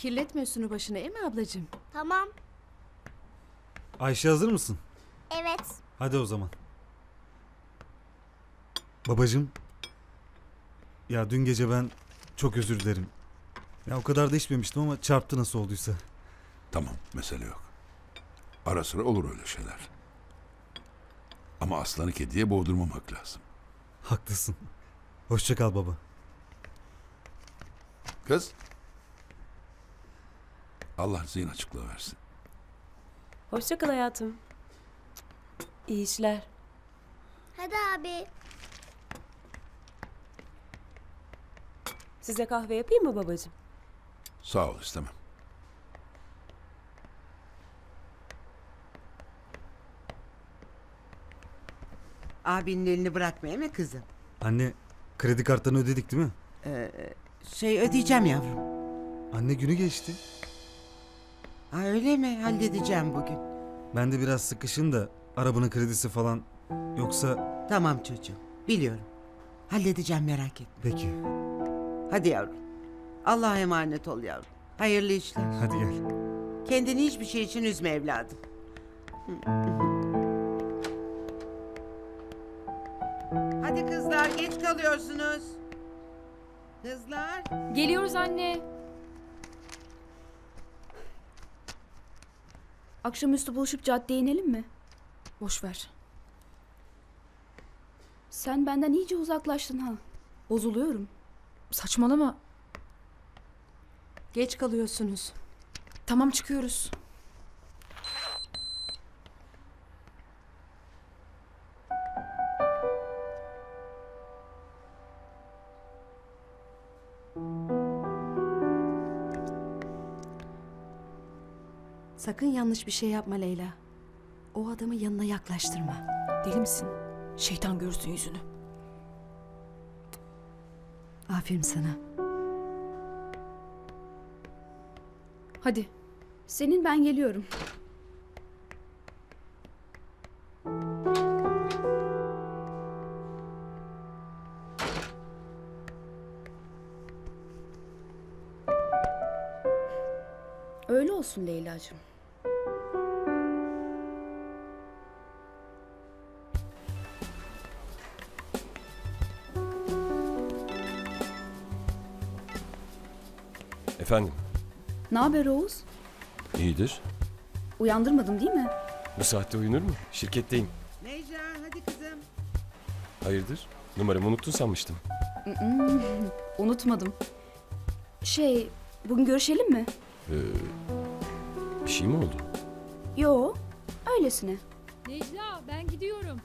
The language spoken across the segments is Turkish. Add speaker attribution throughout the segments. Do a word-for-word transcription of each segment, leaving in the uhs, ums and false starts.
Speaker 1: Kirletme üstünü başına, değil mi ablacığım?
Speaker 2: Tamam.
Speaker 3: Ayşe hazır mısın?
Speaker 2: Evet.
Speaker 3: Hadi o zaman. Babacığım. Ya dün gece ben çok özür dilerim. Ya o kadar da içmemiştim ama çarptı nasıl olduysa.
Speaker 4: Tamam, mesele yok. Ara sıra olur öyle şeyler. Ama aslanı kediye boğdurmamak lazım.
Speaker 3: Haklısın. Hoşça kal baba.
Speaker 4: Kız. Allah zihin açıklığı versin.
Speaker 5: Hoşça kal hayatım. İyi işler.
Speaker 2: Hadi abi.
Speaker 5: Size kahve yapayım mı babacığım?
Speaker 4: Sağ ol, istemem.
Speaker 6: Abinin elini bırakmaya mı kızım?
Speaker 3: Anne, kredi kartlarını ödedik değil mi?
Speaker 6: Şey ödeyeceğim yavrum.
Speaker 3: Anne günü geçti.
Speaker 6: Ha öyle mi? Halledeceğim bugün.
Speaker 3: Ben de biraz sıkışın da arabanın kredisi falan. Yoksa
Speaker 6: Tamam çocuğum. Biliyorum. Halledeceğim merak etme.
Speaker 3: peki.
Speaker 6: Hadi yavrum. Allah'a emanet ol yavrum. Hayırlı işler.
Speaker 3: Hadi gel.
Speaker 6: Kendini hiçbir şey için üzme evladım. Hadi kızlar geç kalıyorsunuz. Kızlar.
Speaker 1: Geliyoruz anne.
Speaker 7: Akşamüstü buluşup caddeye inelim mi?
Speaker 1: Boş ver.
Speaker 7: Sen benden iyice uzaklaştın ha. Bozuluyorum.
Speaker 1: Saçmalama. Geç kalıyorsunuz. Tamam, çıkıyoruz. Sakın yanlış bir şey yapma Leyla. O adamı yanına yaklaştırma.
Speaker 8: Deli misin? Şeytan görsün yüzünü.
Speaker 1: Aferin sana. Hadi.
Speaker 7: Senin ben geliyorum. Öyle olsun Leyla'cığım.
Speaker 9: Efendim,
Speaker 7: Ne haber Oğuz?
Speaker 9: iyidir.
Speaker 7: Uyandırmadım değil mi?
Speaker 9: Bu saatte uyunur mu? Şirketteyim.
Speaker 6: Necla hadi kızım.
Speaker 9: Hayırdır? Numaramı unuttun sanmıştım.
Speaker 7: Unutmadım. Şey, bugün görüşelim mi?
Speaker 9: Bir şey mi oldu?
Speaker 7: Yo, öylesine.
Speaker 8: Necla ben gidiyorum.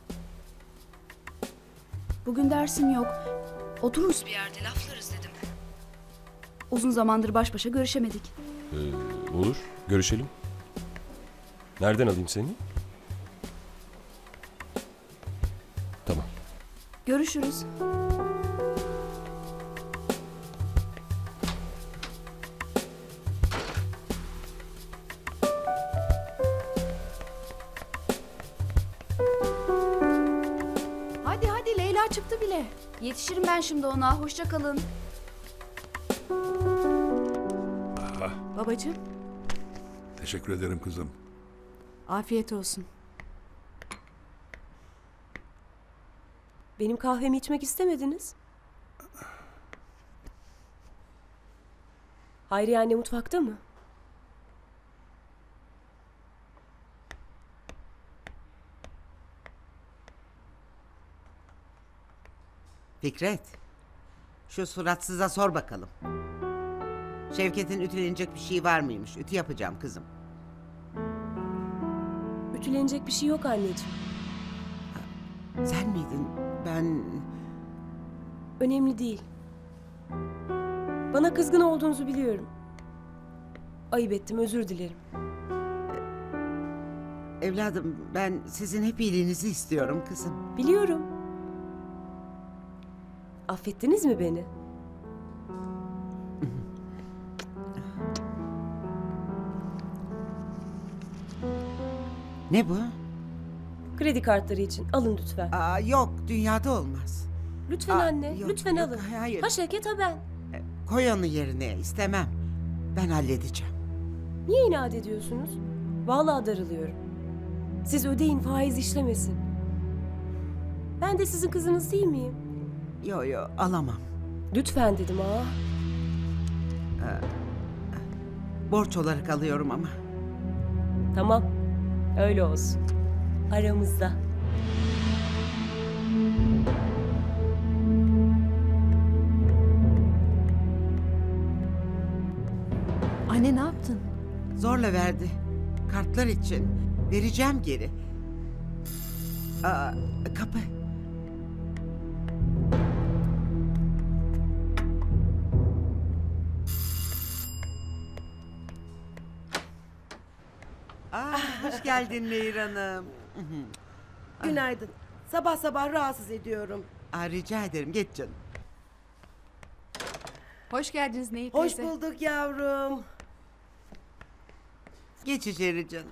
Speaker 7: Bugün dersim yok. Otururuz bir yerde laflarız dedim. Uzun zamandır baş başa görüşemedik.
Speaker 9: Ee, olur, görüşelim. Nereden alayım seni? Tamam.
Speaker 7: Görüşürüz.
Speaker 1: Hadi hadi, Leyla çıktı bile.
Speaker 7: Yetişirim ben şimdi ona. Hoşça kalın.
Speaker 1: Babacığım,
Speaker 4: Teşekkür ederim kızım.
Speaker 1: afiyet olsun.
Speaker 5: Benim kahvemi içmek istemediniz. Hayriye anne mutfakta mı?
Speaker 6: Fikret. Şu suratsıza sor bakalım. Şevket'in ütülenecek bir şey var mıymış? Ütü yapacağım kızım.
Speaker 5: Ütülenecek bir şey yok anneciğim.
Speaker 6: Sen miydin? Ben...
Speaker 5: Önemli değil. Bana kızgın olduğunuzu biliyorum. Ayıp ettim, özür dilerim.
Speaker 6: Evladım ben sizin hep iyiliğinizi istiyorum kızım.
Speaker 5: Biliyorum. Affettiniz mi beni?
Speaker 6: Ne bu?
Speaker 5: Kredi kartları için alın lütfen.
Speaker 6: Aa, yok dünyada olmaz.
Speaker 5: Lütfen
Speaker 6: Aa,
Speaker 5: anne,
Speaker 6: yok,
Speaker 5: lütfen
Speaker 6: yok,
Speaker 5: alın.
Speaker 6: hayır.
Speaker 5: Ha Şevket ha ben.
Speaker 6: Koy onu yerine istemem. Ben halledeceğim.
Speaker 5: Niye inat ediyorsunuz? Vallahi darılıyorum. Siz ödeyin, faiz işlemesin. Ben de sizin kızınız değil miyim?
Speaker 6: Yo yo alamam.
Speaker 5: Lütfen dedim ha.
Speaker 6: Borç olarak alıyorum ama.
Speaker 5: Tamam. Öyle olsun. Aramızda.
Speaker 1: Anne ne yaptın?
Speaker 6: Zorla verdi. Kartlar için. Vereceğim geri. Aa, kapı. Aa, hoş geldin Nehir Hanım.
Speaker 10: Günaydın. Sabah sabah rahatsız ediyorum.
Speaker 6: Aa, rica ederim geç canım.
Speaker 1: Hoş geldiniz Nehir
Speaker 10: Hoş
Speaker 1: teyze.
Speaker 10: bulduk yavrum.
Speaker 6: Geç içeri canım.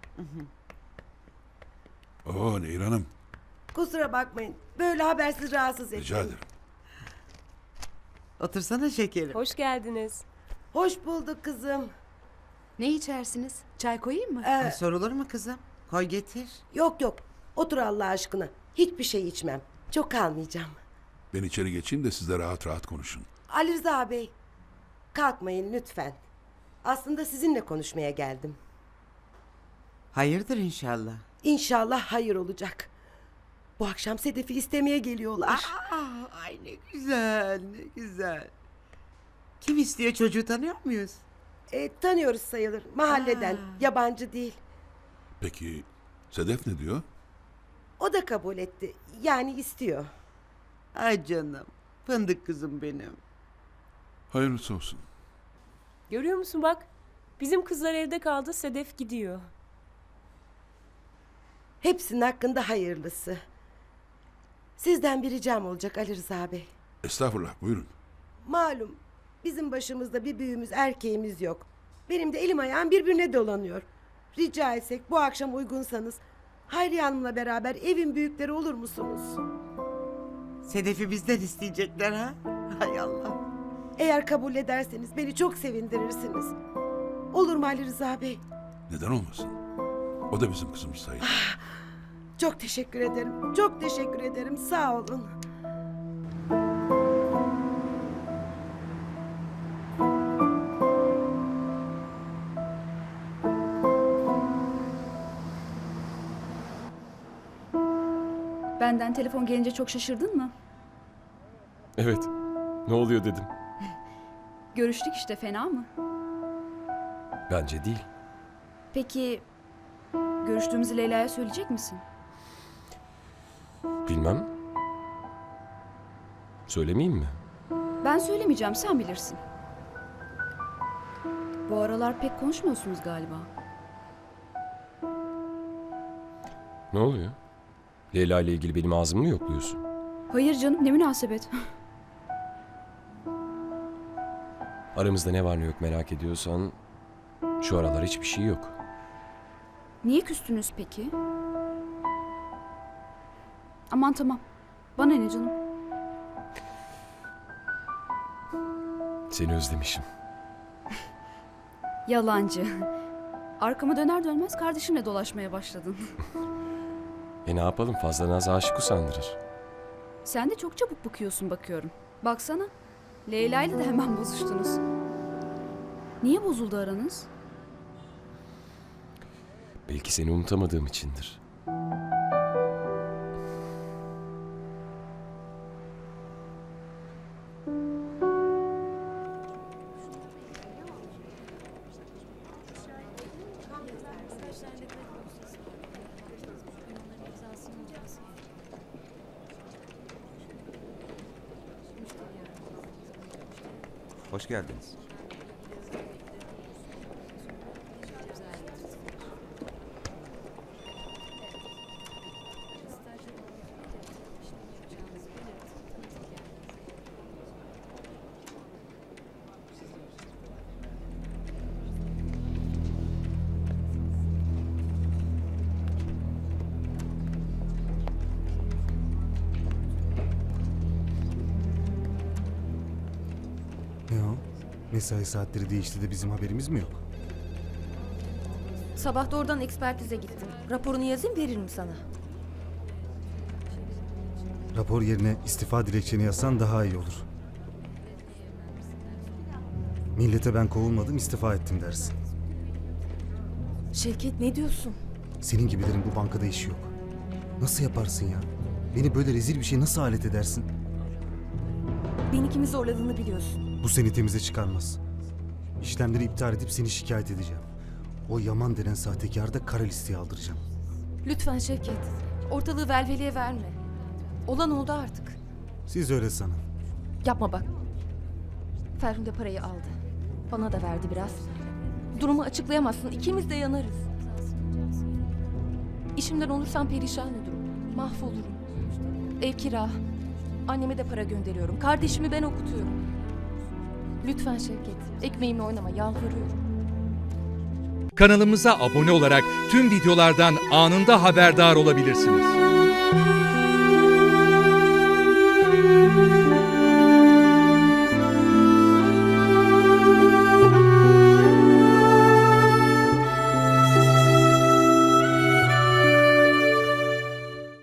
Speaker 4: Oo Nehir Hanım.
Speaker 10: Kusura bakmayın. Böyle habersiz rahatsız ettim.
Speaker 4: Rica ederim.
Speaker 6: Otursana şekerim.
Speaker 5: Hoş geldiniz.
Speaker 10: Hoş bulduk kızım.
Speaker 1: Ne içersiniz? Çay koyayım mı?
Speaker 10: Ee,
Speaker 6: Ay, sorulur mu kızım? Koy getir.
Speaker 10: yok yok. Otur Allah aşkına. Hiçbir şey içmem. Çok kalmayacağım.
Speaker 4: Ben içeri geçeyim de siz de rahat rahat konuşun.
Speaker 10: Ali Rıza Bey. Kalkmayın lütfen. Aslında sizinle konuşmaya geldim.
Speaker 6: Hayırdır inşallah.
Speaker 10: İnşallah hayır olacak. Bu akşam Sedef'i istemeye geliyorlar.
Speaker 6: Aa, ay ne güzel, ne güzel. Kim istiyor, çocuğu tanıyor muyuz?
Speaker 10: E, tanıyoruz sayılır. Mahalleden.
Speaker 6: Aa.
Speaker 10: Yabancı değil.
Speaker 4: Peki Sedef ne diyor?
Speaker 10: O da kabul etti. Yani istiyor.
Speaker 6: Ay canım, fındık kızım benim.
Speaker 4: Hayırlısı olsun.
Speaker 5: Görüyor musun bak? Bizim kızlar evde kaldı, Sedef gidiyor.
Speaker 10: Hepsinin hakkında hayırlısı. Sizden bir ricam olacak Ali Rıza Bey.
Speaker 4: Estağfurullah buyurun.
Speaker 10: Malum bizim başımızda bir büyüğümüz erkeğimiz yok. Benim de elim ayağım birbirine dolanıyor. Rica etsek bu akşam uygunsanız Hayriye Hanım'la beraber evin büyükleri olur musunuz?
Speaker 6: Sedef'i bizden isteyecekler ha? Hay Allah.
Speaker 10: Eğer kabul ederseniz beni çok sevindirirsiniz. Olur mu Ali Rıza Bey?
Speaker 4: Neden olmasın? O da bizim kızımız sayılır.
Speaker 10: Çok teşekkür ederim. Çok teşekkür ederim. Sağ olun.
Speaker 7: Benden telefon gelince çok şaşırdın mı?
Speaker 9: Evet. Ne oluyor dedim.
Speaker 7: Görüştük işte, fena mı?
Speaker 9: Bence değil.
Speaker 7: Peki görüştüğümüzü Leyla'ya söyleyecek misin?
Speaker 9: Bilmem. Söylemeyeyim mi?
Speaker 7: Ben söylemeyeceğim, sen bilirsin. Bu aralar pek konuşmuyorsunuz galiba.
Speaker 9: Ne oluyor? Leyla ile ilgili benim ağzımı mı yokluyorsun?
Speaker 7: Hayır canım, ne münasebet.
Speaker 9: Aramızda ne var ne yok merak ediyorsan şu aralar hiçbir şey yok.
Speaker 7: Niye küstünüz peki? Aman tamam. Bana ne canım?
Speaker 9: Seni özlemişim.
Speaker 7: Yalancı. Arkama döner dönmez kardeşimle dolaşmaya başladın.
Speaker 9: E ne yapalım, fazla naz aşık usandırır.
Speaker 7: Sen de çok çabuk bıkıyorsun bakıyorum. Baksana. Leyla ile de hemen bozuştunuz. Niye bozuldu aranız?
Speaker 9: Belki seni unutamadığım içindir.
Speaker 11: Hoş geldiniz.
Speaker 3: Ne o? Mesai saatleri değişti de bizim haberimiz mi yok?
Speaker 8: Sabah da oradan ekspertize gittim. Raporunu yazayım veririm sana.
Speaker 3: Rapor yerine istifa dilekçeni yazsan daha iyi olur. Millete ben kovulmadım, istifa ettim dersin.
Speaker 8: Şevket ne diyorsun?
Speaker 3: Senin gibilerin bu bankada işi yok. Nasıl yaparsın ya? Beni böyle rezil bir şey nasıl alet edersin?
Speaker 8: Beni kimi zorladığını biliyorsun.
Speaker 3: Bu seni temize çıkarmaz. İşlemleri iptal edip seni şikayet edeceğim. O Yaman denen sahtekarı da kara listeye aldıracağım.
Speaker 8: Lütfen Şevket. Ortalığı velveleye verme. Olan oldu artık.
Speaker 3: Siz öyle sanın.
Speaker 8: Yapma bak. Ferhunde parayı aldı. Bana da verdi biraz. Durumu açıklayamazsın. İkimiz de yanarız. İşimden olursam perişan olurum. Mahvolurum. Ev kira. Anneme de para gönderiyorum. Kardeşimi ben okutuyorum. Lütfen Şevket. Ekmeğimle oynama. Yalvarıyorum.
Speaker 12: Kanalımıza abone olarak tüm videolardan anında haberdar olabilirsiniz.